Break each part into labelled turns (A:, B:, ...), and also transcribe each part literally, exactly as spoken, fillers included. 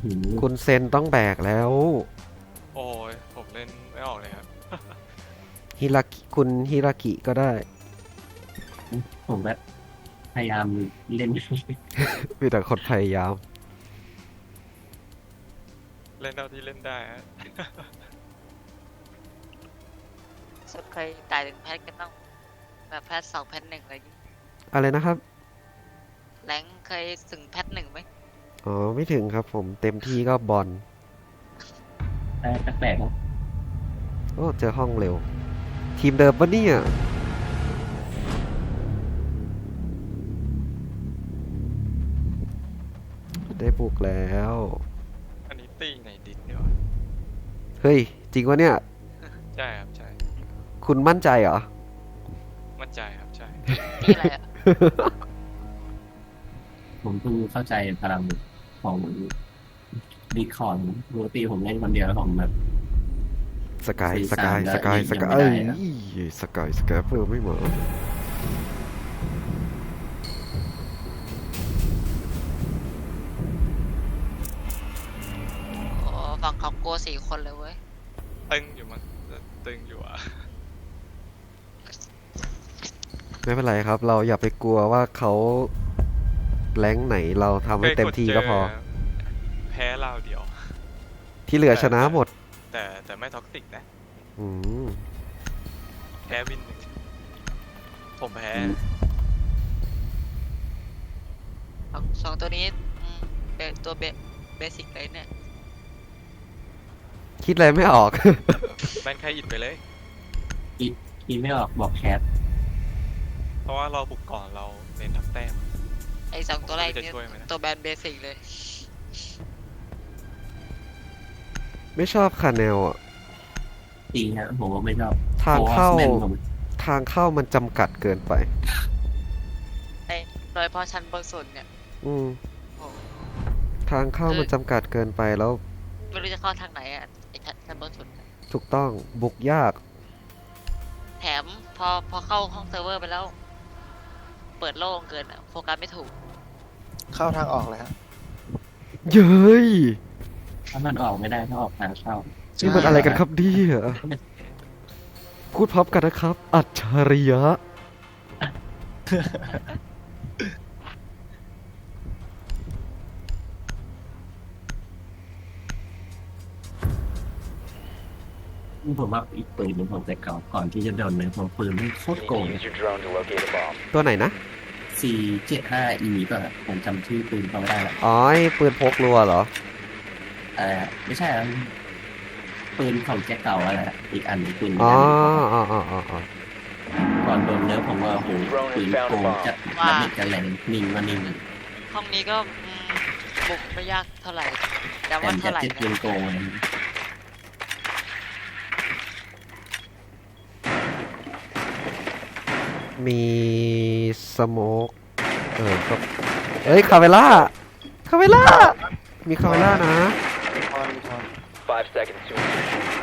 A: คุณเซนต้องแบกแล้ว
B: โอ้ยผมเล่นไม่ออกเลยครับ
A: ฮิรากิคุณฮิรากิก็ได้
C: ผมแบบพยายามเล่น
A: มีแต่คนพยายาม
B: เล่นเท่าที่เล่นได้ฮะ
D: สุดเคยตายถึงแพทกันต้องแบบแพทสองแพทหนึ่งอะไรอย่างงี้
A: อะไรนะครับ
D: แรงเคยถึงแพทหนึ่งไหม
A: อ๋อ ไม่ถึงครับผมเต็มที่ก็บอล
C: แต่แปลกๆนะ
A: โอ้ เจอห้องเร็ว ทีมเดิมปะเนี่ย ได้ปลุกแล้ว
B: อันนี้ตีในดิสเนี่ยวะ
A: เฮ้ย จริงวะเนี่ย
B: ใช่ครับใช่
A: คุณมั่นใจเหรอ
B: มั่นใจครับใช่
D: นี่อะไรอ่ะ
C: ผมเพิ่งเข้าใจพลังของดีคอนปกติผมเล่นคนเดียวแล้วผมแบบ
A: สกาย
C: สี่
A: สกาย
C: สาม
A: สกาย
C: แล้ว
A: สกาย
C: ยังไม่
A: เอ้ย
C: ได้นะ
A: สกาย สกายเพิ่มไม่เหมาะ
D: โอ้ฝั่งเขาโกลัวสี่คนเลยเว้ย
B: ตึงอยู่มั้งตึงอยู่อ่ะ
A: ไม่เป็นไรครับ เราอย่าไปกลัวว่าเขาแรงค์ไหนเราทำให้เต็มที่ก็พอ
B: แพ้เราเดียว
A: ที่เหลือชนะหมด
B: แต่แต่ไม่ท็อกซิกนะ
A: อืม
B: แพ้วินหนึ่งผมแพ้
D: สองสองตัวนี้อืมเป็นตัวเบเบสิกเลยเนี่ย
A: คิดอะไรไม่ออก
B: แบนใครอิดไปเลย
C: คิดไม่ออกบอกแคท
B: เพราะว่าเราบุกก่อนเราเน้นทับแต้ม
D: ไอ้สองตัวแรก
B: จะ
D: เนี่ย
B: ช่วยไหมนะ
D: ตัวแบนเบสิกเลย
A: ไม่ชอบคาแนลอ่ะ
C: จริงฮะผมว่าไม่ชอบ
A: ทางเข้า
C: โอ้แม่นผม
A: ทางเข้ามันจำกัดเกินไป
D: ไอ้โดยเฉพาะชั้นบนสุดเนี่ย
A: อืม
D: โอ้
A: ทางเข้ามันจำกัดเกินไปแล้ว
D: ไม่รู้จะเข้าทางไหนอ่ะไอ้ชั้นชั้นบนสุดเนี่ย
A: ถูกต้องบุกยาก
D: แถมพอพอเข้าห้องเซิร์ฟเวอร์ไปแล้ว เปิดโล่งเกินอะโฟกัสไม่ถูก
E: เข้าทางออกเลยฮะ
A: เย้ย
C: ถ้ามันออกไม่ได้ถ้าออกทางเข้า
A: นี่มันอะไรกันครับเนี่ยพูดพร้อมกันนะครับ อัจฉริยะ
C: ผมว่าอีกปืนหนึงผมแต่เก่าก่อนที่จะโดนเลยผมปืนมันโคตรโกง
F: Use your drone to locate a bomb.
A: ตัวไหนนะ
C: สี่ เจ็ด ห้า อี ป่ะผมจำชื่อปืนเขาไม่ได้ละ
A: อ๋อไอ้ปืนพกรัวเหรอ
C: เออไม่ใช่อะปืนของแจ็คเก่าอะไรอะอีกอันหนึ่งปืน
A: อ๋อ
C: อันหนึ่ง
A: อ๋ออ๋ออ๋ออ๋อ
C: ก่อนโดนเนื้อผมว่าโอ้โหปืนโกงจัด
D: ว่า
C: ระเบิดกันแหลงนิ่งมานิ่ง
D: ห้องนี้ก็อืมบุกไม่ยากเท่าไหร่แต่
C: แต่
D: ว่า
C: จั
D: เท่า
C: ด
D: ไหร่
C: เจ็ดปื
D: นะ
C: นโกงเลย
A: มีสโมกเออก็เอ้ย คาเวล่า คาเวล่า มีคาเวล่านะ
E: ทอนทอน
F: Five seconds to insertion.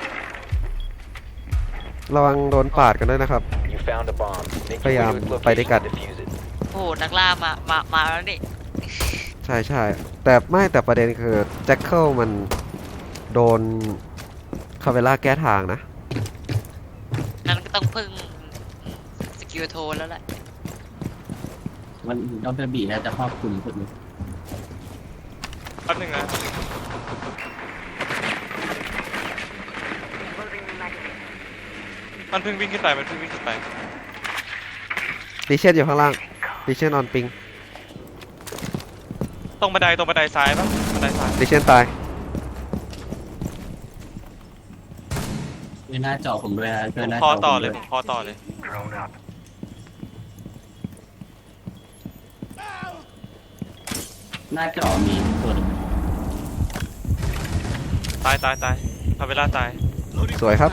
A: ระวังโดนปาดกันด้วยนะครับ
F: You found a bomb. Make
A: พยายาม
F: your way to its
A: ไปด้วยกัน
F: location and defuse it.
D: โอ้โหนักล่ามามามาแล้วนี่
A: ใช่ใช่แต่ไม่แต่ประเด็นคือแจ็คเกิลมันโดนคาเวล่าแก้ทางนะ
D: นั้นก็ต้องพึ่งสกิลโทแล้วแหละ
C: มันดรบีน่าจะครอบคลุมสุดเลย
B: แป๊บนึงนะมันเพิ่งวิ่งขึ้นไปมันเพิ่งวิ่งขึ้นไป
A: ดิเชนอยู่ข้างล่าง ดิเชนออนปิง
B: ตรงบันไดตรงบันไดซ้ายปะบันไดซ้าย
A: ดิเชนตาย
C: ด้วยหน้าจอผมด้วยนะด้วยหน้า
B: พ
C: จ
B: อ
C: อ
B: ต่อ
C: ผม
B: เล
C: ด้วย ย
B: ผมพอต่อเลย
C: หน้าจอมีตัวหนึง
B: ตายตายตายทำเวลาตาย
A: สวยครับ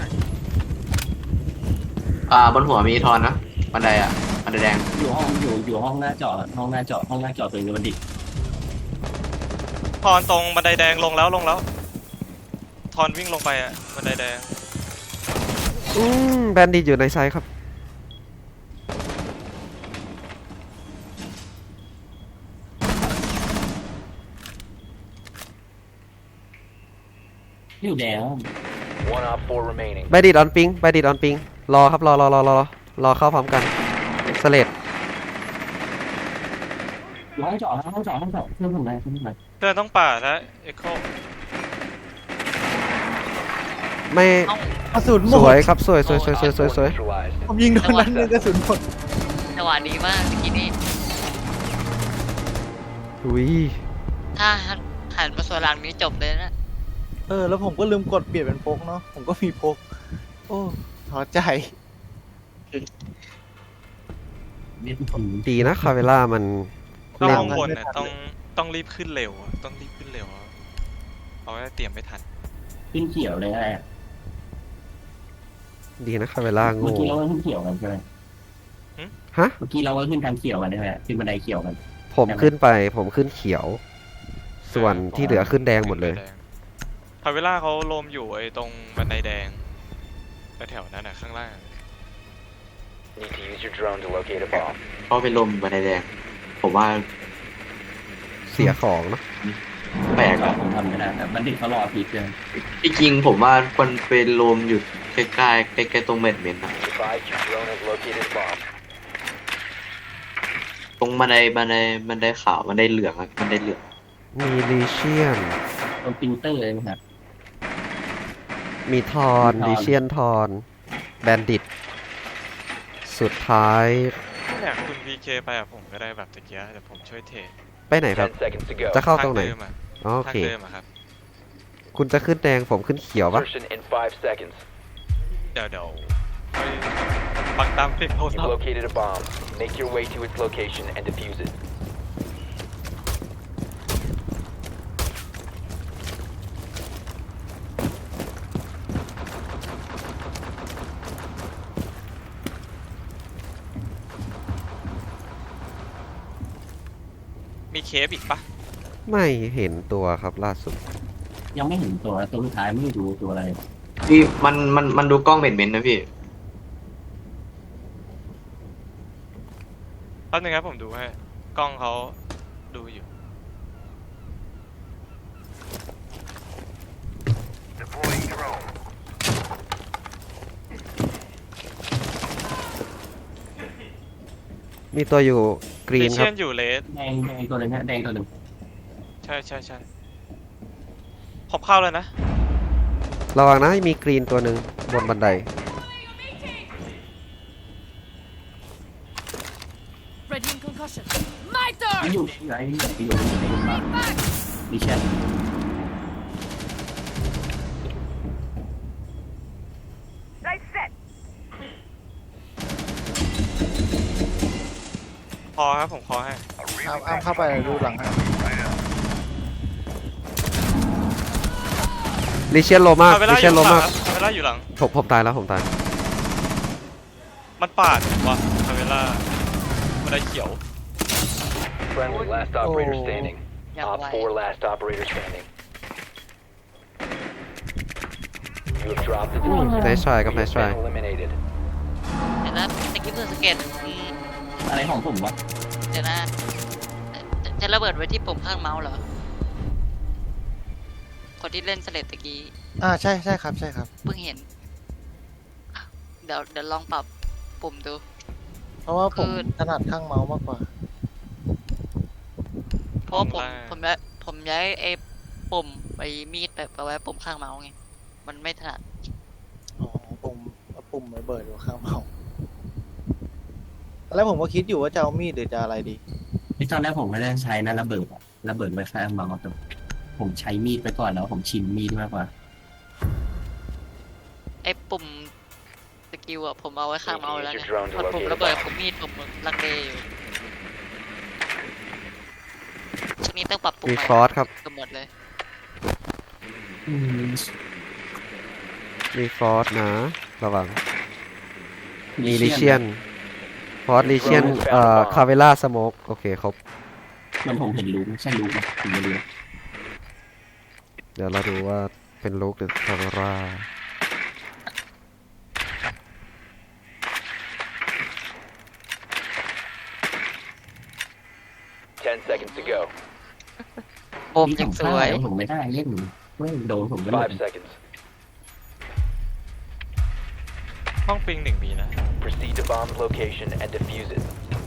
G: อ่าบนหัวมีทอนนะบันไดอ่ะบันไดแดง
C: อยู่ห้องอยู่อยู่ห้องหน้าจอห้องหน้าจอห้องหน้าจอตัวนี้มันดิ
B: ทอนตรงบันไดแดงลงแล้วลงแล้ว ทอนวิ่งลงไปอ่ะบันไดแดง
A: อืมแบนดิตอยู่ในไซส์ครับ
C: อยู่แดง
F: One op four remaining.
A: ไปดิดออนปิงไปดิดออนปิงรอครับรอรอรอรอรอเข้าพร้อมกันสเลด
C: อยู่ห้องเจาะห้องเจาะห้องเจาะเพื่อนผมเลยเพื่อนผมเลย
B: เพื่อนต้องป่าดแล้วเอ็กโค
A: ไม่
D: เอ้าก
E: ระสุนหม
A: ส
E: ด
A: วยครับสวยสวยสวยสวยสวยสวย
F: Neutralized.
E: ผมยิงโดนนั้นหนึงกระสุนหมด
D: จังหวะดีมากเมื่อกี้นี้
A: อุ้ย
D: ถ้าหันมาส่วนหลังนี้จบเลยนะ
E: เออแล้วผมก็ลืมกดเปลี่ยนเป็นพกเนาะผมก็มีพก โอ้ท้อใจ
C: นี่ผม
A: ดีนะคาเวล่ามัน
B: ต้อง
A: เล่น
B: ข้างบน
E: ไม่
B: เนี่ย
E: ทัน
B: ต้องต้องรีบขึ้นเร็วอะต้องรีบขึ้นเร็วอะเอาไว้เตรียมไม่ทัน
C: ขึ้นเขียวเลยแหละ
A: ดีนะคาเวล่า
C: เมื่อ
A: โง่
C: กี้เราก็ขึ้นเขียวกันใช่ไหม
A: ฮะ
C: เมื่อกี้เราก็ขึ้นทางเขียวกันใช่ไหมขึ้นบันไดเขียวกัน
A: ผมขึ้นไปผมขึ้นเขียว ส่วนที่เหลือขึ้นแดงหมดเลย
B: พาเวล่าเขาโลมอยู่ไอ้ตรงบันไดแดงแถวๆนั้นน่ะข้างล่าง
F: Need to use your drone to locate a bomb.
G: เพราะเป็นลมบันไดแดง ผมว่า
A: เสียของเนอะ
G: แปลก
C: ก็
G: อะ
C: ผมทำไม่ได้แต่บัณฑิตเขารอพีเกิน
G: ที่จริงผมว่าควรเป็นลมอยู่ใกล้ๆใกล้ๆตรงเม็ดเม็ดนะ
F: Advise your drone has located a bomb.
G: ตรงบันไดบันไดบันไดขาวบันไดเหลืองอะบันไดเหลือง
A: มีลีเชียน
C: ตรงปรินเตอร์เลยนะครับ
A: มีทอน
C: มีทอน
A: ลีเชียนทอนแบนดิตสุดท้าย
B: เนี่ยคุณ พี เค ไปอะผมก็ได้แบบตะเกียเดี๋ยวผมช่วยเทรด
A: ไปไหนครับ
F: Ten seconds to go.
A: จะเข้าตรงไหน
B: ทางเดิมอะ
A: อ๋อโอ
B: ทาง
A: เค
B: เดิมอะครับ
A: คุณจะขึ้นแดงผมขึ้นเขียวปะ
F: Insertion in five seconds.
B: เดี๋ยวเดี๋ยวไปฟังตามเสียงโทรศัพ
F: You've
B: ท์
F: located a bomb. Make your way to its location and defuse it.
B: มีเคฟอีกปะ
A: ไม่เห็นตัวครับล่าสุด
C: ยังไม่เห็นตัวตัวสุดท้ายไม่รู้ตัวอะไร
G: พี่มันมันมันดูกล้องเม็ดเม็ดนะพี่
B: แป๊บนึงครับผมดูให้กล้องเขาดูอยู่
A: มีตัวอยู่กรี
B: เล
A: นค
B: เชี
A: รั
B: ย
A: บ
B: นอยู่เลส
C: แดงแดงตัวหนึงฮะแดงตัวหนึ่ง
B: ใช่ใช่ใช่ผมเข้าแล้วนะ
A: ระวังนะมีกรีนตัวหนึ่งบนบันได
H: Ready in concussion. My turn!
C: ไม่อยู่อยู่ไอ้อยู่อยู่อยู่ในบ้านดิฉัน
B: พอครับผมพอให้
E: อ้ามอ้ามเข้าไปดูหลังให้
A: ลีเชียนโลมาก
B: พาเว
A: ลี
B: ล่าอ
A: เชียน
B: ยู่
A: โล
B: หลั
A: มาง ก
B: ครับพาเวล่าอยู่หลัง
A: ผมผมตายแล้วผมตาย
B: มันปาดวะพาเวล่ามันได้เขียว
F: Friendly last operator
E: Oh.
F: standing.
D: Yeah,
F: Op
D: why?
F: four last operator standing. You have dropped the diffuser.
A: ไนท์ทรายครับ
F: You
A: ไน
F: have
A: ท์ทราย
F: been eliminated.
D: เดี๋ยวนะตะกี้เพิ่งสังเกตอืม
C: อะไรของผมวะ
D: เดี๋ยวนะจะจะระเบิดไว้ที่ปุ่มข้างเมาส์เหรอ คนที่เล่นสเลดตะกี้
E: อ่าใช่ใช่ครับใช่ครับ
D: เพิ่งเห็น เดี๋ยวเดี๋ยวลองปรับปุ่มดู
E: เพราะว่าผม
D: คือ
E: ถนัดข้างเมาส์มากกว่า
D: เพราะว่าผม
B: ข้างล่าง
D: ผมย้ายผมย้ายไอ้ปุ่มไอ้มีดไปไปไว้ปุ่มข้างเมาส์ไง มันไม่ถนัด
E: อ๋อปุ่มเอาปุ่มระเบิดอยู่ข้างเมาส์แล้วผมก็คิดอยู่ว่าจะเอามีดหรือจะอะไรดี
C: ที่ตอนแรกผมไม่ได้ใช้นะระเบิดอะระเบิดไว้ข้างมาแต่ผมใช้มีดไปก่อนแล้วผมชินมีดมากกว่า
D: ไอ้ปุ่มสกิลอะผมเอาไว้ข้างเมาส์แล้วไง
F: Use your drone to
D: พอปุ่ม
F: locate a
D: ระเบิด
F: bomb.
D: ผมมีดผมลังเลอยู่ช่วงนี้ต้องปรับปุ่ม
A: มี
D: ใหม่
A: ฟอสครับ
D: เกือบหมดเลย
C: อืม
A: มีฟอสนะ ระวัง มีลีเชียน ฟอสลีเชียน เอ่อ คาเวล่าสโมกโอเคครบ
C: มันผมเห็นลูกใช่ลูกไหมผมไม่รู้
A: เดี๋ยวเราดูว่าเป็นลูกหรือคาเวล่า
F: Ten seconds to go.
D: โอม
C: นี่
D: ยัง
C: ผม
D: ส
C: พลา
D: วย
C: ดผมไม่ได้เล่นไม่โดนผมก็เลย
F: Five seconds.
B: ห้องปิงหนึ่งมีนะ
F: Proceed to bomb's location and defuse it.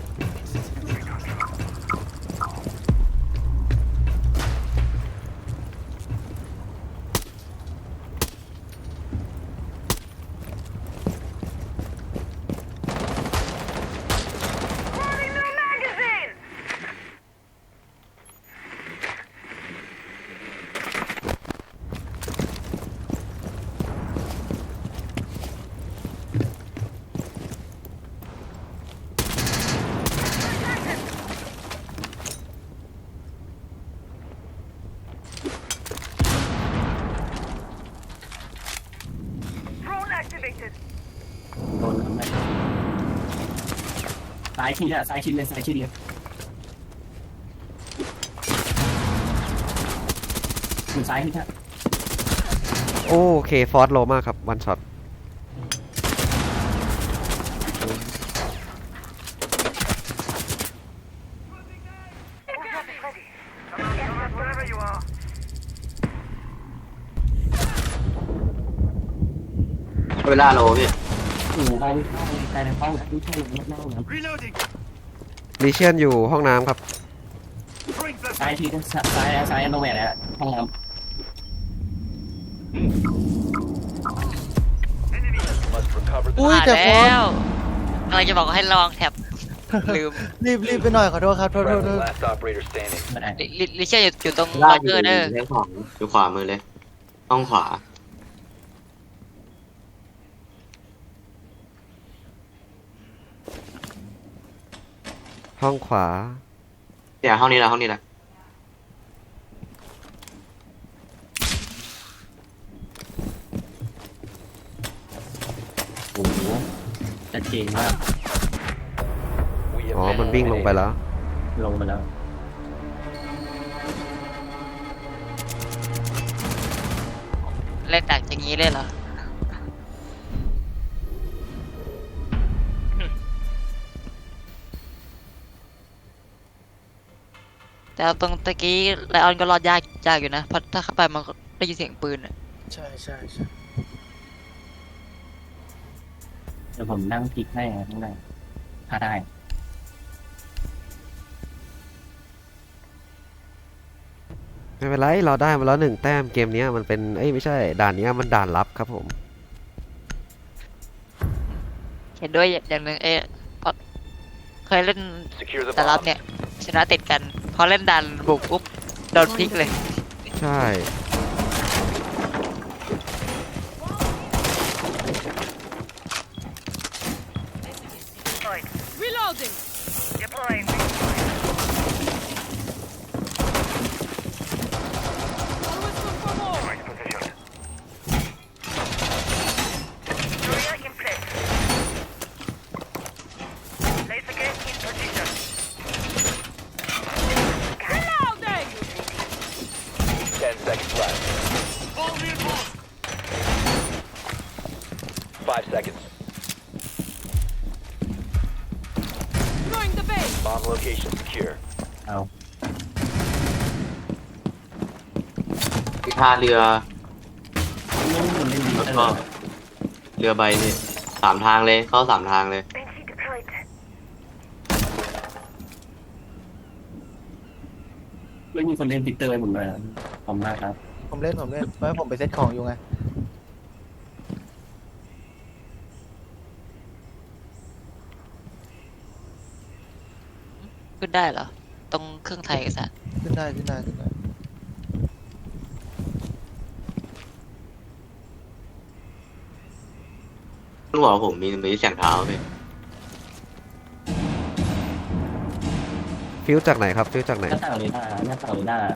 H: Drone activated.
C: โดนทำไมซ้ายชิดอะซ้ายชิดเลยซ้ายชิดเลยอยู่ซ้ายนี่ครับ
A: โอเคฟอสโลมากครับวันช็อต
H: Wherever you are.
G: เวลาโลพี่
C: อยู่ใกล้ใกล้ในห้องที่ใช่เลยนั่งนะ
H: Reloading.
A: ลีเชียนอยู่ห้องน้ำครับ
H: Bring the
C: ซ้ายชิดซ้ายซ้ายโนแวร์แล้วห้องน้
H: enemy.
F: Must recover the
E: อุ้ย
D: มา
E: แต่ฟอ
D: แล้
E: ส
D: วกำลังจะบอกให้ลองแท็บ ลืม
E: รีบรีบไปหน่อยขอโทษครับโทษโทษโท
F: friendly
E: ษ
F: last operator standing.
C: ำไม่ได้
D: ลิลิลิเชียอยู่อยู่ตรง
G: เวลา
D: ล็อก
G: อ
D: เกอยู่ ร์เด้อ
G: ทางขวาอยู่ขวามือเลยห้องขวา
A: ห้องขวา
G: เนี่ยห้องนี้แหละห้องนี้แหละ
C: โอ้โหชัดเจนมาก
F: We have
A: อ๋อ
F: been
A: มันวิ่งลงไป
F: eliminated.
A: แล้ว
C: ลงมาแล้ว
D: เล่นดักอย่างนี้เลยเหรอ แต่เอาตรงตะกี้ไลออนก็รอดยากยากอยู่นะ เพราะถ้าเข้าไปมันก็ได้ยินเสียงปืนอะ
E: ใช่ใช่ใช่
C: เดี๋ยวผมนั่งพลิกให้ข้างในถ้าได้
A: ไม่เป็นไรเราได้มาแล้วหนึ่งแต้มเกมเนี้ยมันเป็นเอ้ยไม่ใช่ด่านเนี้ยมันด่านลับครับผม
D: เห็นด้วยอย่างหนึ่งเอ๊ะเพราะเคยเล่น
F: Secure the
D: แต่รับ
F: bomb.
D: เนี่ย ชนะติดกัน พอเล่นดันบุกปุ๊บโดนพลิกเลย
A: ใช่
H: Reloading. Deploying. Always look for more. Right position. Barrier in place. Laser gate in position. Reloading.
F: Ten seconds left.
H: All reinforced.
F: Five seconds.
H: Throwing the base.
F: Bomb location secure.
C: เอา
G: มีท่าเรือ
C: ไม่ได้คนเล่นดี
G: แล้ว
C: เอ
G: ก็
C: อ
G: เรือใบนี่สามทางเลยเข้าสามทางเลย
H: Banshee deployed.
C: ไม่มีคนเล่นพิกเตอร์ให้ผมเลยขอบคุณมากครับ
E: ผมเล่นผมเล่นเพราะผมไปเซ็ตของอยู่ไง
D: ขึ้นได้เหรอ ตรงเครื่องไทยเอกสาร
E: ขึ้นได้ขึ้นได้ขึ้นได้
G: ต้องบอกว่าผมมีมีเสียงเท้าพี่
A: ฟิวจากไหนครับฟิวจากไหน
C: หน้าต่างเลยหน้าหน้าต่างเลยหน้า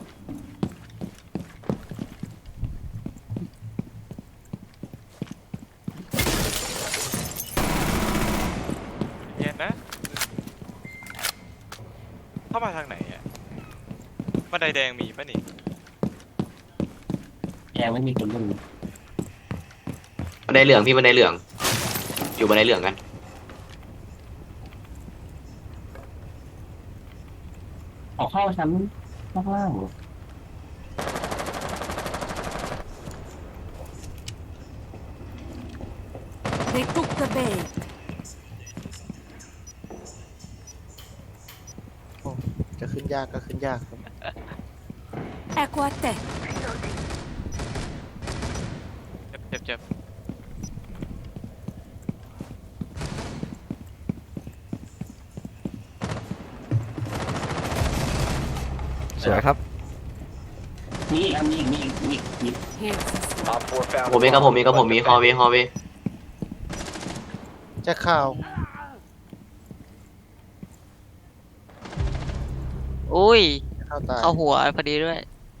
B: เย็นนะ เข้ามาทางไหนอ่ะบันไดแดงมีปะนี่
C: แอร์ไม่มีคนเล่น
G: บันไดเหลืองพี่บันไดเหลือง อยู่บันไดเหลืองกัน
C: ออกเข้าชั้นข้างล่าง
H: They took the bait.
E: โอ้จะขึ้นยากก็ขึ้นยากครับ
H: Ecco a te.
B: เจ็บเจ็บเจ็บ
A: สวยครับ
C: มีอีกอันมีอีกมีอีกมีอีกมีอีก
H: Here's the stuff.
F: Op four found
G: ผมมีกับผมมีกับผมมีฮอวีฮอวี
E: แจ็คข่าว
D: อุ้ย
E: เข้าตาย
D: เข้าหัวพอดีด้วย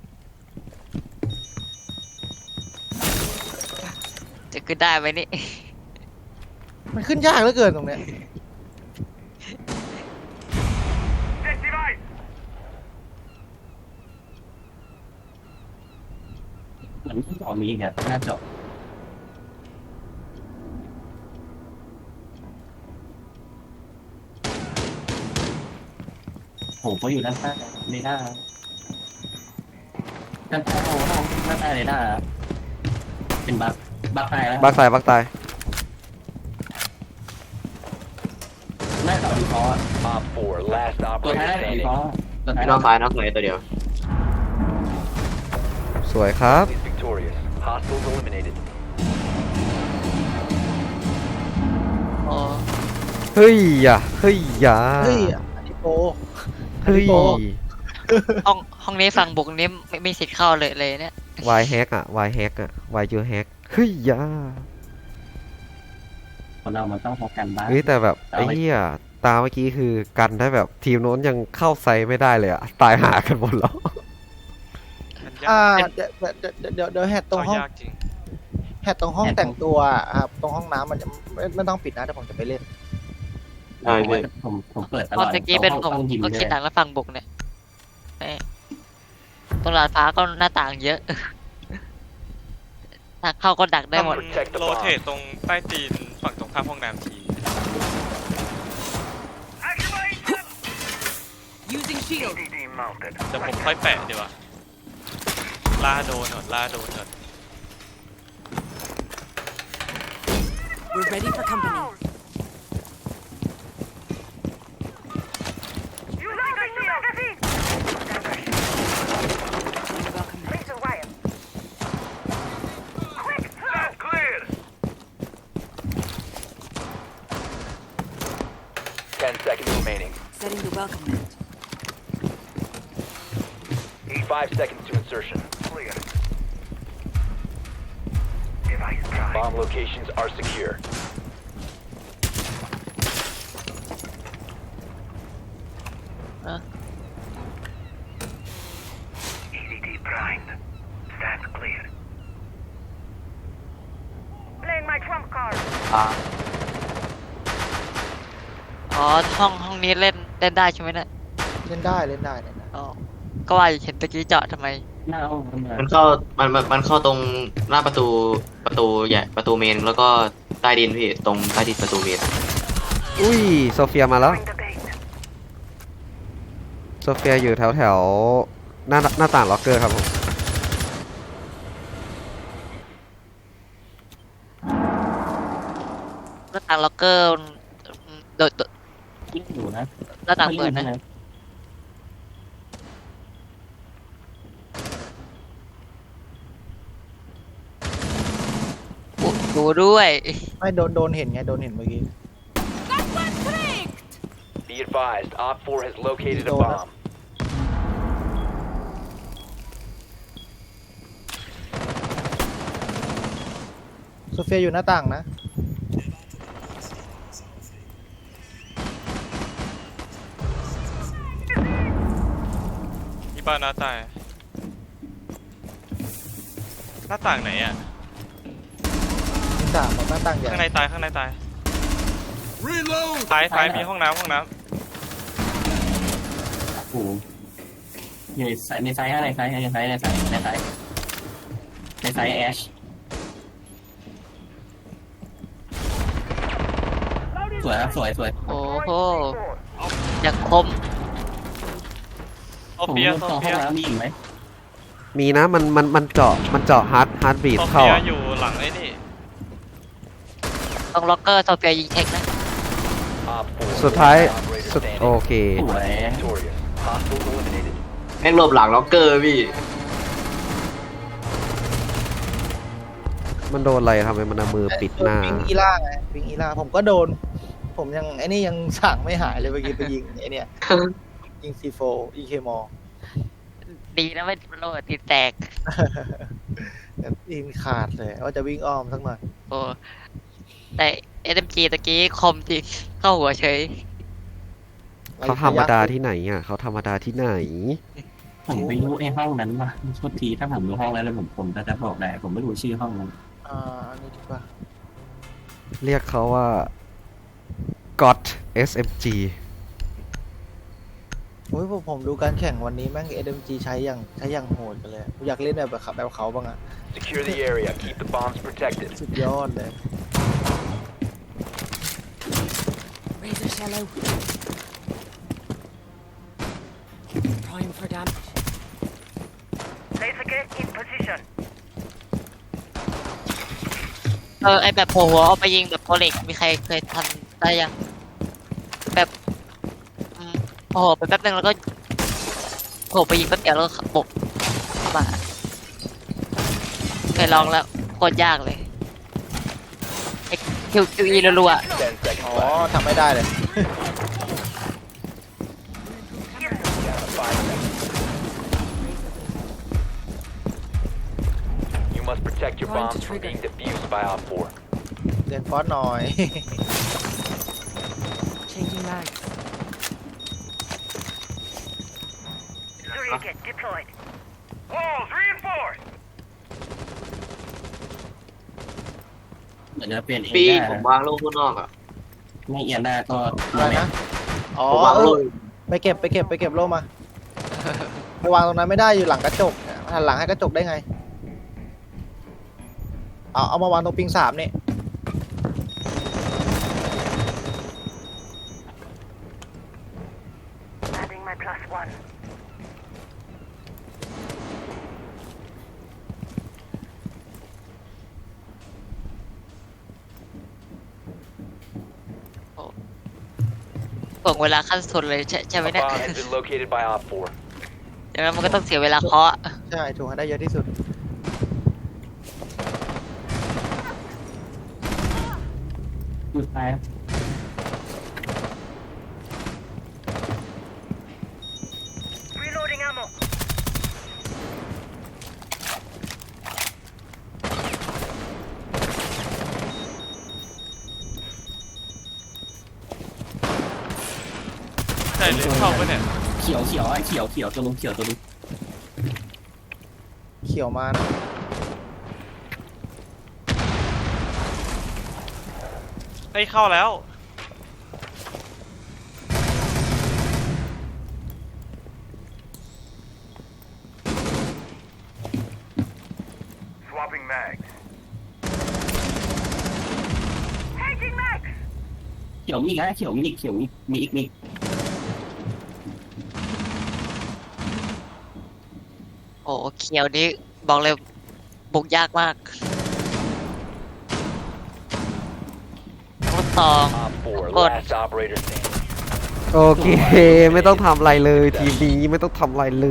D: จะขึ้นได้ไหมนี่
E: มันขึ้นยากเหลือเกินตรงเนี้ย
C: เหมือนที่สองมีอีกอะหน้าจอโหเขาอยู่ด้านใต้เรดาร์ด้านใต้โอ้โหด้านใต้เรดาร์เป็นบักบักตายแล้ว
A: บักตายบักตาย
C: หน้าจอดีฟอลต์
F: Op four, last
C: ตัวท้าย
F: operator
C: ได้ดี
F: standing.
C: ฟอลต์ตัวท้าย
G: นอกซ้ายนอกไหนตัวเดียว
A: สวยครับ
F: Is victorious. Hostiles eliminated.
D: อ๋อ
A: เฮ้ยอ่ะเฮ้ยอ่ะ
E: เฮ้ยอันนี้โปร
A: เฮ้ย
D: ห้องห้องนี้ฝั่งบุกนี้ไม่ไม่มีสิทธิ์เข้าเลยเลยเนี่ย
A: วายแฮกอ่ะวายแฮกอ่ะวายยูแฮกเฮ้ยอ่ะ
C: คนเรามันต้องพบกันบ้าง
A: เฮ้ยแต่แบบ
C: เอา
A: ไอ้
C: ไว้
A: เหี้ยตาเมื่อกี้คือกันได้แบบทีมโน้นยังเข้าไซส์ไม่ได้เลยอ่ะ ตายหากันหมดแล้ว
B: มัน
E: อ่าย
B: าก
E: เดี๋ยวเดี๋ยวเดี๋ยวเดี๋ยวแฮตตรงห้อง
B: เข้ายากจริง
E: แฮตตรงห้องแต่งตัวอ่ะครับตรงห้องน้ำมันจะไม่ไม่ต้องปิดนะเดี๋ยวผมจะไปเล่น
G: ได้
C: ผม
G: พี่
C: ผมผมเปิดต
D: ต
C: ล
D: อน
C: อด
D: ตะกี้เป็นผม
C: ห้องยิม
D: ก็
C: ด้ว
D: คิด
C: ย
D: หนังแล้วฝั่งบุกเนี่ยแหม่ตรงลาดฟ้าก็หน้าต่างเยอะ ทางเข้าก็ดักได้หมด
B: ทำโรเทตตรงใต้ตีนฝั่งตรงข้ามห้องน้ำที
H: Using shield.
B: เดี๋ยวผมค่อยแปะดีกว่าล่าโดนก่อนล่าโดนก่อน
H: We're ready for company.
F: Ten seconds remaining.
H: Setting the welcome mat.
F: Five seconds to insertion. Bomb locations are secure.
D: Huh?
I: E D D primed. Stand clear. Playing my trump card.
G: อ่า
D: อ๋อห้องห้องนี้เล่นเล่นได้ใช่ไหมเนี่ย
E: เล่นได้เล่นได้เล่นได้
D: อ๋อก็ว่าอยู่เห็นตะกี้เจาะทำไม
C: หน้าห้องมัน
G: มันเข้ามันมันมันเข้าตรงหน้าประตูประตูใหญ่ประตูเมนแล้วก็ใต้ดินพี่ตรงใต้ดินประตูเมน
A: อุ้ยโซเฟียมาแล้ว
I: Bring the bait.
A: โซเฟียอยู่แถวแถวหน้าหน้าต่างล็อกเกอร์ครับผม
D: หน้าต่างล็อกเกอร์โดดโดด
C: ยิ่งอยู่นะ
D: หน้าต่างเปิดนะอุ๊ยดูด้วย
E: ไม่โดนโดนเห็นไงโดนเห็นเมื่อกี้
H: That one tricked.
F: Be advised, Op four has located a
E: Go on.
F: bomb.
E: โซเฟียอยู่หน้าต่างนะ
B: ที่บ้านหน้าต่างหน้าต่างไหนอ่ะ
E: หน้าต่างแบบหน้าต่างใหญ่
B: ข้างในตายข้างในตายซ้ายซ้ายมีห้องน้ำห้องน้
C: โอ้โหอยู่ในไซส์ในไซส์ในไซส์ในไซส์ในไซส์ในไซส์ในไซส์แอชสวยครับสวยสวย
D: โอ้โหอย่างคม
B: ำโซ
C: ผม
B: เฟีย
C: รู้
B: โซ
C: ตรงห้
B: เฟี
C: อย งน้ำมีอีกไหม
A: มีนะมันมันมันเจาะมันเจาะฮาร์ดฮาร์ดบีท
B: โซ
A: เข้า
B: เฟีย
A: อะ
B: อยู่หลังไอ้นี่
D: โซรงล็อกเกอร์โซเฟียยิงเช็คนะ
F: Op four
A: สุดท้าย
F: operator
A: สุด
F: standing.
A: โอเค
C: สวย
F: Victorious. Hostiles eliminated.
G: แม่งหลบหลังล็อกเกอร์พี่
A: มันโดนอะไรทำไมมันเอามือปิดหน้า
E: ปิงอีล่าไงปิงอีล่าผมก็โดน ผมยังไอ้นี่ยังสั่งไม่หายเลยเมื่อกี้ไปยิงไอ้เนี่ยยิงซีโฟอีเคมอ
D: ดีนะไม่โดนตีแตก
E: ยิงขาดเลยว่าจะวิ่งอ้อมสักหน่อย
D: โอ้แต่ เอส เอ็ม จี ตะกี้คมจริงเข้าหัวเฉย
A: เขาธรรมดาที่ไหนอ่ะเขาธรรมดาที่ไหน
C: ผมไม่รู้ไอ้ห้องนั้นว่ะโทษทีถ้าผมรู้ห้องแล้วแล้วผมผมจะจะบอกได้ผมไม่รู้ชื่อห้องนั้น
E: อ่าอันนี้ดีกว่า
A: เรียกเขาว่า God เอส เอ็ม จี
E: โอ้ยผมผมดูการแข่งวันนี้แม่ง เอส เอ็ม จี ใช้อย่างใช้อย่างโหดกันเลยผมอยากเล่นแบบแบบแบบเขาบ้างอะ
F: Secure the area. Keep the bombs protected.
E: สุดยอดเลย
H: Razor shallow. Prime for damage.
I: Laser gate in position.
D: เออไอแบบโผล่หัวเอาไปยิงแบบโพเล็กมีใครเคยทำได้ยังแบบอืมโอ้โหไปแป๊บนึงแล้วก็โผล่ไปยิงแป๊บเดียวแล้วก็บกเข้ามาเคยลองแล้วโคตรยากเลยไอคิวคิวอีรัว
F: Ten seconds
E: อ๋อ
F: left.
E: ทำไม่ได้เลย
F: Down to five seconds. You must protect your
H: Trying to
F: bombs from
H: trigger.
F: being defused by Op four.
E: เรียนฟอสหน่อย
H: Changing mags.
I: Surrogate deployed. Walls reinforced.
C: เหมือนจะเปลี่ยนเอง
G: พี่
C: ได้
G: ผมวางลูกข้างนอกอ่ะ
C: ไม่เอียนได้ก็
E: อะไรนะ อ๋อ
G: ผมวาง
E: เอ
G: ลู
E: อก ไปเก็บไปเก็บไปเก็บโล่มาไปวางตรงนั้นไม่ได้อยู่หลังกระจกหันหลังให้กระจกได้ไง เอาเอามาวางตรงปิงสามนี่
I: Adding my plus one.
D: ๆส่งเวลาขั้นสุดเลยใช่ใช่ไหม
F: A
D: เนี่ย
F: bomb has been located by Op four.
D: อย่างนั้นมันก็ต้องเสียเวลาเคาะ
E: ใช่ถูกให้ได้เยอะที่สุด
C: อยู่ซ้าย
I: Reloading ammo.
B: ใช่เลยเข้าไปเนี่ย
C: เขียวเขียวไอ้เขียวเขียวตัวลุงเขียวตัวลุง
E: เขียวมานะ
B: เฮ้ยเข้าแล้ว
I: Swapping mags. Changing mags.
C: เขียวมีอีกนะเขียวมีอีกเขียวมีมีอีกมีอีก
D: โอ้เขียวนี้บอกเลยบุกยากมากต้องตอง
F: Op four,
D: Good.
F: last operator standing.
A: โอเค ไม่ต้องทำอะไรเลย ทีมนี้ไม่ต้องทำอะไรเลย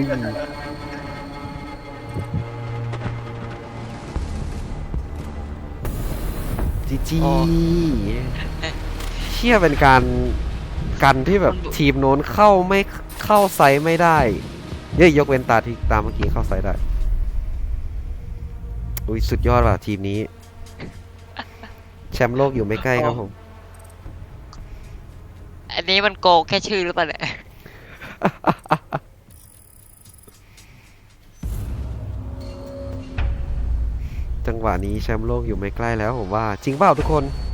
A: จีจีเชี่ยเป็นการกันที่แบบทีมโน้นเข้าไม่เข้าไซส์ไม่ได้เย้ยยกเว้นตาที่ตามเมื่อกี้เข้าไซส์ได้ อุ้ยสุดยอดว่ะทีมนี้ แชมป์โลกอยู่ไม่ใกล้ครับผม
D: อันนี้มันโกงแค่ชื่อหรือเปล่าเนี่ย
A: จังหวะนี้แชมป์โลกอยู่ไม่ใกล้แล้วผมว่า จริงเปล่าทุกคน